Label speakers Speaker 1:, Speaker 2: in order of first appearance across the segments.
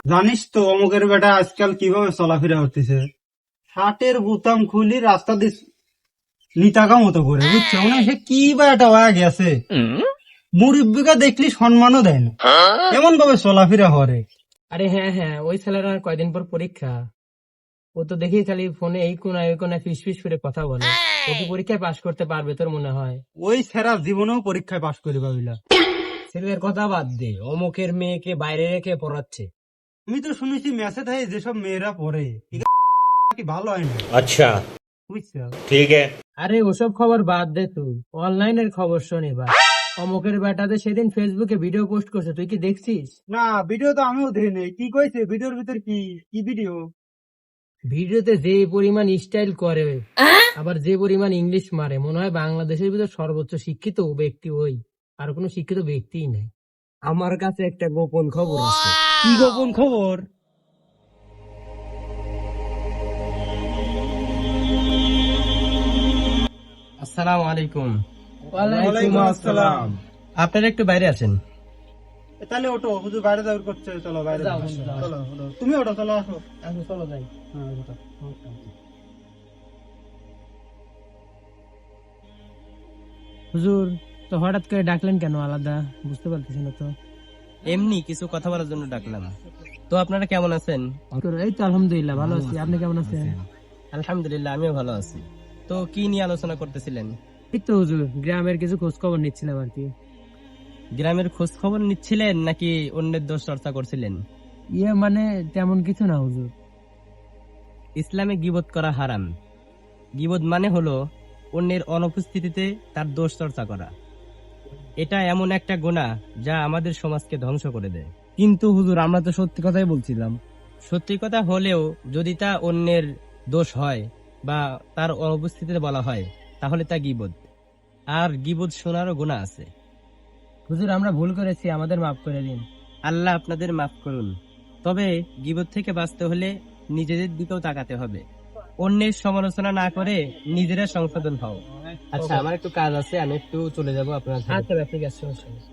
Speaker 1: জানিস তো অমুকের বেটা আজকাল কিভাবে চলাফেরা হতেছে, শার্টের বোতাম খুলি রাস্তা দিয়ে নিতাকা মতো করে, বুঝছো? মানে সে কি বা একটা হয়ে গেছে, মুরব্বিকা দেখলি সম্মানও দেয় না, এমন ভাবে চলাফেরা করে।
Speaker 2: আরে হ্যাঁ হ্যাঁ, ওই ছেলের আর কয়দিন পর পরীক্ষা। ও তো দেখি খালি ফোনে এই কোনায় ওই কোনায় ফিস ফিস করে কথা বলে। ও কি পরীক্ষায় পাশ করতে পারবে তোর মনে হয়?
Speaker 1: ওই সেরা জীবনেও পরীক্ষায় পাশ করে পাবিলা।
Speaker 2: ছেলের কথা বাদ দে, অমুকের মেয়েকে বাইরে রেখে পড়াচ্ছে।
Speaker 1: আমি তো শুনেছি মেসে থাকে যেসব মেয়েরা পড়ে কি ভালো হয় না,
Speaker 3: अच्छा
Speaker 1: বুঝছো?
Speaker 3: ठीक है।
Speaker 2: আরে ওসব খবর বাদ দে, তুই অনলাইনের খবর শোন এবার। অমুকের বেটাতে সেদিন ফেসবুকে ভিডিও পোস্ট করছে, তুই কি দেখছিস?
Speaker 1: না, ভিডিও তো আমিও দেখি নাই। কি কইছে ভিডিওর ভিতর? কি কি ভিডিও?
Speaker 2: ভিডিওতে যে পরিমাণ স্টাইল করে, আবার যে পরিমাণ ইংলিশ মারে, মনে হয় বাংলাদেশের ভিতর সর্বোচ্চ শিক্ষিত ব্যক্তি ওই, আর কোনো শিক্ষিত ব্যক্তিই নাই। আমার কাছে একটা গোপন খবর আছে।
Speaker 1: কি গোপন খবর?
Speaker 2: আসসালামু আলাইকুম।
Speaker 1: ওয়ালাইকুম আসসালাম।
Speaker 2: আপনারা একটু বাইরে আছেন।
Speaker 1: তাহলে ওটো, হুজুর বাইরে যাওয়ার করছে, চলো বাইরে
Speaker 2: যাও,
Speaker 1: যাও।
Speaker 2: যাও।
Speaker 1: চলো চলো, তুমি ওটো, চলো আসো।
Speaker 2: চলো যাই।
Speaker 1: হ্যাঁ, ওটো।
Speaker 2: হুজুর, তো হঠাৎ করে ডাকলেন কেন আলাদা? বুঝতে পারতেছি না তো।
Speaker 4: এমনি কিছু কথা বলার জন্য ডাকলাম। তো আপনারা কেমন আছেন?
Speaker 2: এই তো আলহামদুলিল্লাহ ভালো আছি, আপনি কেমন আছেন?
Speaker 4: আলহামদুলিল্লাহ আমিও ভালো আছি। তো কি নিয়ে আলোচনা করতেছিলেন?
Speaker 2: এই তো হুজুর, গ্রামের কিছু খোঁজ খবর নিচ্ছিলাম আর কি।
Speaker 4: গ্রামের খোঁজ খবর নিচ্ছিলেন নাকি অন্যের দোষ চর্চা করছিলেন?
Speaker 2: মানে তেমন কিছু না হুজুর।
Speaker 4: ইসলামে গীবত করা হারাম। গীবত মানে হলো অন্যের অনুপস্থিতিতে তার দোষ চর্চা করা। এটা এমন একটা গুনাহ যা আমাদের সমাজকে ধ্বংস করে দেয়।
Speaker 2: কিন্তু হুজুর, আমরা তো সত্যি কথাই বলছিলাম।
Speaker 4: সত্যি কথা হলেও যদি তা অন্যের দোষ হয় বা তার অনুপস্থিতিতে বলা হয় তাহলে তা গীবত। আর গীবত শোনারও গুনাহ আছে।
Speaker 2: হুজুর, আমরা ভুল করেছি, আমাদের মাফ করে দিন।
Speaker 4: আল্লাহ আপনাদের মাফ করুন। তবে গীবত থেকে বাঁচতে হলে নিজেদের দিকেও তাকাতে হবে। অন্যের সমালোচনা না করে নিজেরা সংশোধন হও। আচ্ছা, আমার একটু কাজ আছে, আমি একটু চলে যাব আপনার সাথে।
Speaker 2: আচ্ছা ঠিক আছে, সমস্যা নেই।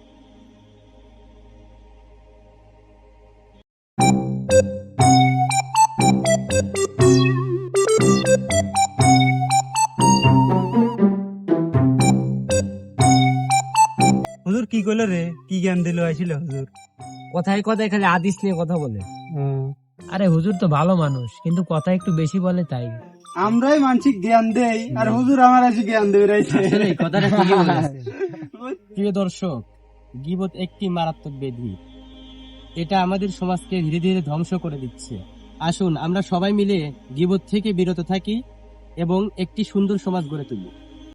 Speaker 1: হুজুর কি কইলো রে? কি জ্ঞান দিল আইছিল হুজুর?
Speaker 2: কথায় কথায় খালি হাদিস নিয়ে কথা বলে। আরে হুজুর তো ভালো মানুষ, কিন্তু কথা একটু বেশি বলে তাই।
Speaker 1: আমরাই মানসিক জ্ঞান দেই, আর হুজুর আমার আছে জ্ঞান দেবে রাইছে।
Speaker 2: আসলে এই কথাটা ঠিকই বলেছে।
Speaker 4: প্রিয় দর্শক, গীবত একটি মারাত্মক ব্যাধি। এটা আমাদের সমাজকে ধীরে ধীরে ধ্বংস করে দিচ্ছে। আসুন আমরা সবাই মিলে গীবত থেকে বিরত থাকি এবং একটি সুন্দর সমাজ গড়ে তুলি।